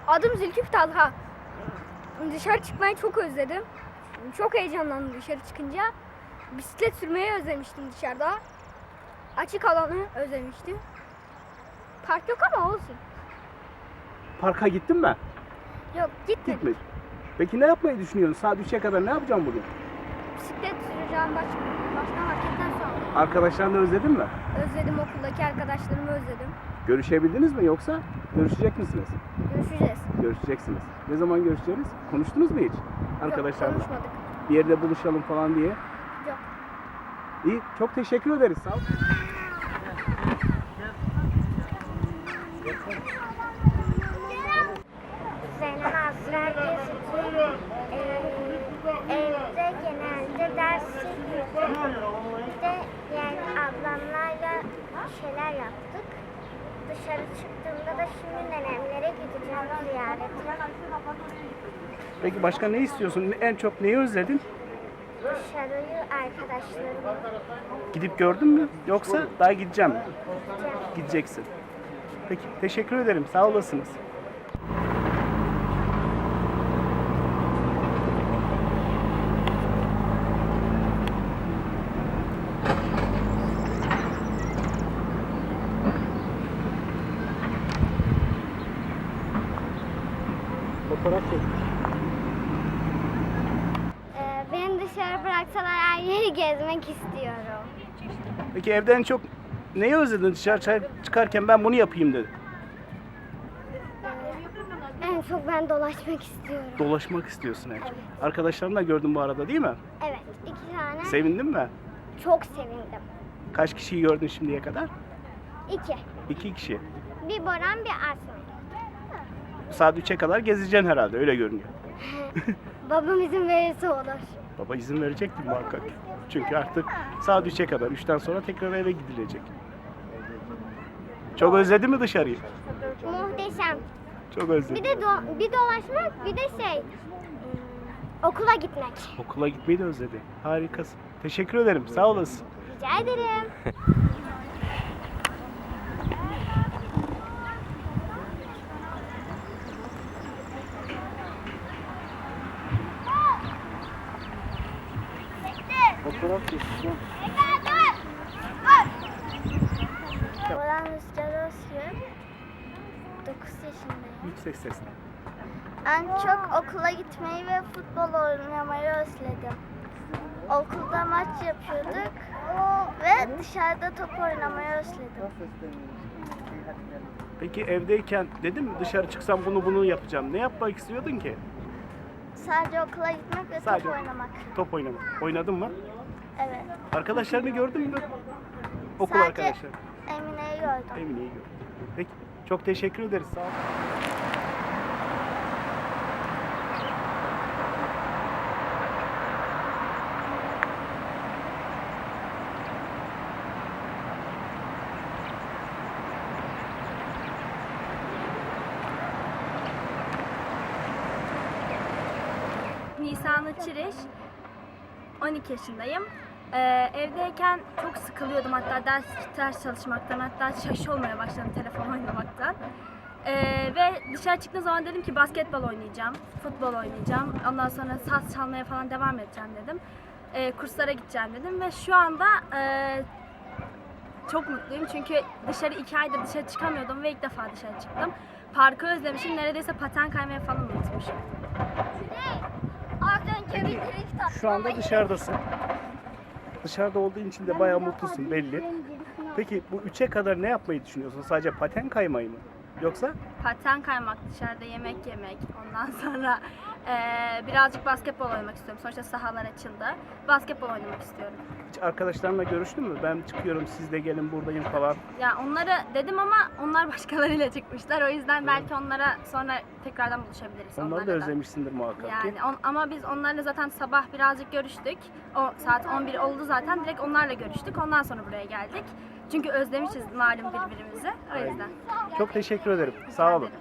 Adım Zülküf Talha. Dışarı çıkmayı çok özledim. Çok heyecanlandım dışarı çıkınca. Bisiklet sürmeyi özlemiştim dışarıda. Açık alanı özlemiştim. Park yok ama olsun. Parka gittin mi? Yok gitmedim. Gitmedin. Peki ne yapmayı düşünüyorsun? Saat 3'e kadar ne yapacağım bugün? Bisiklet süreceğim başka marketten sonra. Arkadaşlarını özledin mi? Özledim, okuldaki arkadaşlarımı özledim. Görüşebildiniz mi yoksa görüşecek misiniz? Görüşeceğiz. Görüşeceksiniz. Ne zaman görüşeceğiz? Konuştunuz mu hiç? Arkadaşlarla. Yok, konuşmadık. Bir yerde buluşalım falan diye. Yok. İyi, çok teşekkür ederiz. Sağ ol. Zeynep Azra Gezik'in evde genelde ders yapıyorduk. Bir de yani ablamlarla şeyler yaptık. Dışarı çıktığımda da şimdi nenemlere gideceğim ziyarete. Peki başka ne istiyorsun? En çok neyi özledin? Dışarıyı arkadaşlarımla Gidip gördün mü? Yoksa daha gideceğim mi? gideceğim. Gideceksin. Peki, teşekkür ederim. Sağ olasınız. Fotoğraf çek. Beni dışarı bıraksalar her yeri gezmek istiyorum. Peki evden en çok neyi özledin? Dışarı çıkarken ben bunu yapayım dedi. En çok ben dolaşmak istiyorum. Dolaşmak istiyorsun en çok. Arkadaşlarını da gördün bu arada değil mi? Evet, 2 tane. Sevindin mi? Çok sevindim. Kaç kişiyi gördün şimdiye kadar? 2. 2 kişi. Bir Boran, bir Aslan. Saat 3'e kadar gezeceksin herhalde, öyle görünüyor. Babam izin verirse olur. Baba izin verecektir muhakkak. Çünkü artık saat 3'e kadar, 3'ten sonra tekrar eve gidilecek. Çok özledin mi dışarıyı? Muhteşem. Çok özledim. Bir de bir dolaşmak, bir de okula gitmek. Okula gitmeyi de özledi. Harikasın. Teşekkür ederim. Sağ olasın. Rica ederim. Fotoğraf çekeceğim. Boran Rüzgar Özgür. 9 yaşındayım. Yüksek sesle. En çok okula gitmeyi ve futbol oynamayı özledim. Okulda maç yapıyorduk ve dışarıda top oynamayı özledim. Peki evdeyken dedim mi dışarı çıksam bunu yapacağım. Ne yapmak istiyordun ki? Sadece okula gitmek ve Sadece top oynamak. Top oynamak. Oynadın mı? Evet. Arkadaşlarını gördün mü? Okul Sadece arkadaşları. Emine'yi gördüm. Emine'yi gördüm. Peki. Çok teşekkür ederiz. Sağ ol. Nisanlı Çiriş, 12 yaşındayım. Evdeyken çok sıkılıyordum, hatta ders çalışmaktan, hatta şaş olmaya başladım telefon oynamaktan. Ve dışarı çıktığım zaman dedim ki basketbol oynayacağım, futbol oynayacağım, ondan sonra saz çalmaya falan devam edeceğim dedim. Kurslara gideceğim dedim ve şu anda çok mutluyum çünkü 2 aydır dışarı çıkamıyordum ve ilk defa dışarı çıktım. Parkı özlemişim, neredeyse paten kaymaya falan unutmuşum. Peki, şu anda dışarıdasın. Dışarıda olduğun için de bayağı mutlusun belli. Peki bu 3'e kadar ne yapmayı düşünüyorsun? Sadece paten kaymayı mı? Yoksa Paten kaymak, dışarıda yemek yemek, ondan sonra birazcık basketbol oynamak istiyorum. Sonuçta sahalar açıldı. Basketbol oynamak istiyorum. hiç arkadaşlarınla görüştün mü? Ben çıkıyorum, siz de gelin buradayım falan. Ya onları dedim ama onlar başkalarıyla çıkmışlar. O yüzden belki onlara sonra tekrardan buluşabiliriz. Onları da onlarla özlemişsindir muhakkak ki. Yani ama biz onlarla zaten sabah birazcık görüştük. O saat 11 oldu zaten. Direkt onlarla görüştük. Ondan sonra buraya geldik. Çünkü özlemişiz malum birbirimizi. O yüzden. Çok teşekkür ederim. Sağ olun.